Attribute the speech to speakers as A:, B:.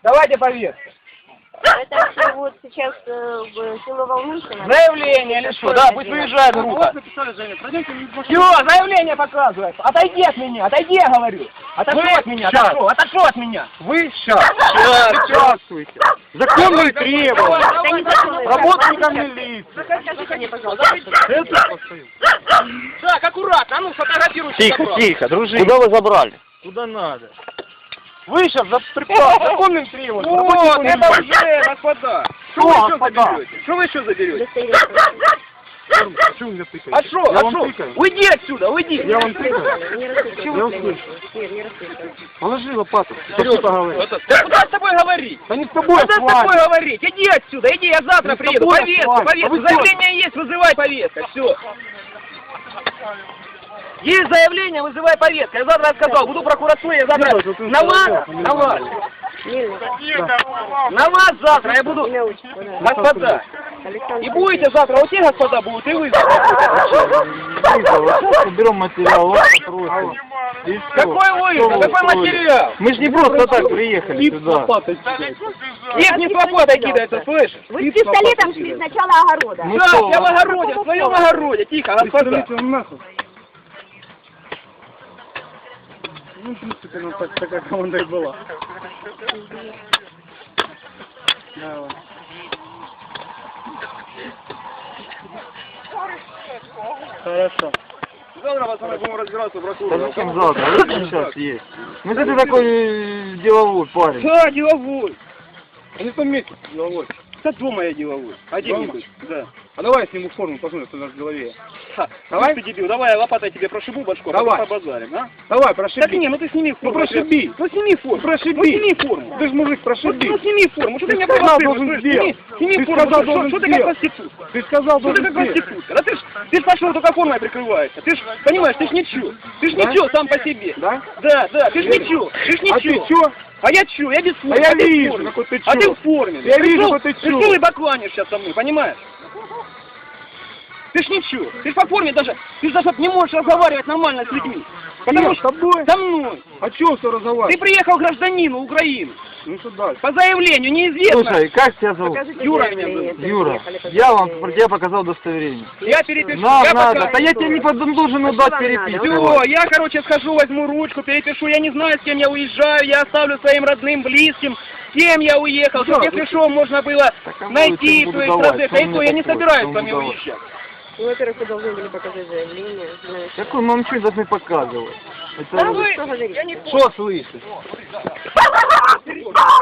A: Давайте повестку.
B: Это все вот сейчас село Волнушино.
A: Заявление или что? Да, пусть выезжает группа. Все, заявление показывает. Отойди от меня, отойди, я говорю. Отошел от меня, отошел от меня.
C: Вы сейчас участвуете. Законные требования. Работникам милиции.
A: Так, аккуратно, а ну сфотографируйте.
C: Тихо, тихо, дружи.
D: Куда вы забрали?
C: Куда надо. Вы сейчас за законным требованием.
A: Вот, это уже, господа. Что вы еще заберете? Что вы еще заберете?
C: Что вы меня тыкаете?
A: А что?
C: Я
A: А
C: вам
A: что?
C: тыкаю.
A: Уйди отсюда, уйди.
C: Я вам тыкаю.
B: Не рассыпай.
C: Я услышу.
B: Нет, не рассыпай.
C: Положи лопату. Что поговорить?
A: Да куда с тобой говорить?
C: Да не с тобой, а
A: Куда
C: с
A: с тобой
C: вами.
A: говорить? Иди отсюда, иди, я завтра
C: с
A: приеду.
C: тобой,
A: Повестку,
C: с вами.
A: повестку.
C: А вы
A: Заявление есть, вызывай повестка. Все. Есть заявление, вызывай повестку. Я завтра сказал, буду в прокуратуре, я завтра на вас, на вас завтра я буду,
B: Имя, отчество, да.
A: господа.
B: Александр
A: И будете завтра, вот те господа будут, и вы завтра.
C: Сейчас уберем материал, вас попросим. И всё.
A: Какой вызов? Какой материал?
C: Мы же не просто так приехали сюда.
A: Их не с лопатой кидается, слышишь?
B: Вы с пистолетом шли с начала огорода.
C: Ну
A: Да,
C: что,
A: я в огороде, в своем огороде, тихо, господа.
C: Ну, в принципе, ну, такая команда и была. Давай. Хорошо.
A: Завтра, пацаны, будем разбираться в прокуратуре.
C: Да зачем завтра? Вот сейчас есть. Ну, ты такой деловой парень.
A: Да, деловой. А не в том месте деловой. Да дома я деловой. Один-нибудь. Да.
C: А давай я сниму форму, посмотрим, что у нас в голове.
A: Давай. Ты дебил, давай я лопатой тебе прошибу башку, а
C: Давай.
A: потом побазарим, а?
C: Давай, прошиби.
A: Так не, ну ты сними форму.
C: прошиби.
A: Ну сними форму.
C: Прошиби.
A: Ну сними форму.
C: Ты же мужик, прошиби.
A: Ну сними форму. Что ты меня
C: сказал,
A: провоцируешь?
C: должен
A: Слышь,
C: сделать.
A: Сними
C: Ты
A: форму.
C: сказал,
A: Что
C: должен
A: ты как
C: сделать.
A: проститутка?
C: Ты сказал,
A: Что ты
C: должен
A: как
C: сделать.
A: проститутка? Да ты ж пошел только формой прикрываешься. Ты ж, понимаешь, ты ж ничего. Ты ж
C: Да?
A: ничего сам по себе.
C: Да?
A: Да, ты ж ничего. Ты ж
C: А
A: ничего.
C: ты чё?
A: А я чё? Я без формы.
C: А я
A: ты в
C: вижу,
A: форме.
C: какой ты
A: А
C: чё.
A: ты в форме.
C: Я вижу,
A: Пришёл-
C: какой ты чё.
A: Пришёл и бакланишь сейчас со мной, понимаешь? Ты ж ничего. Ты ж по форме даже, ты ж даже не можешь разговаривать нормально с людьми. Потому
C: С
A: что
C: тобой?
A: со мной.
C: А чё все
A: Ты
C: разговаривать?
A: приехал гражданину Украины.
C: Ну что дальше?
A: По заявлению неизвестно.
C: Слушай, как тебя зовут?
B: Покажите
A: Юра
B: заявление,
A: меня
B: если
C: Юра,
B: приехали,
C: я вам
B: покажите.
C: я показал удостоверение.
A: Я перепишу.
C: На,
A: я
C: надо.
A: пока-
C: Да я тебе не должен
B: А
C: отдать
B: что вам
C: переписку.
A: Все, я, короче, схожу, возьму ручку, перепишу. Я не знаю, с кем я уезжаю. Я оставлю своим родным, близким, с кем я уехал. Чтобы, если что, можно было
C: Так, а
A: найти
C: буду
A: своих
C: давать,
A: родных.
C: что
A: А и
C: мне
A: то я не
C: такое,
A: собираюсь
C: что
A: с вами
C: буду давать?
A: уезжать.
B: Ну, во-первых, вы должны были показать заявление. Знаешь.
C: Какой мы вам что должны показывать?
A: Да
C: Это...
A: вы,
B: что говорите?
A: я не
C: Что слышишь?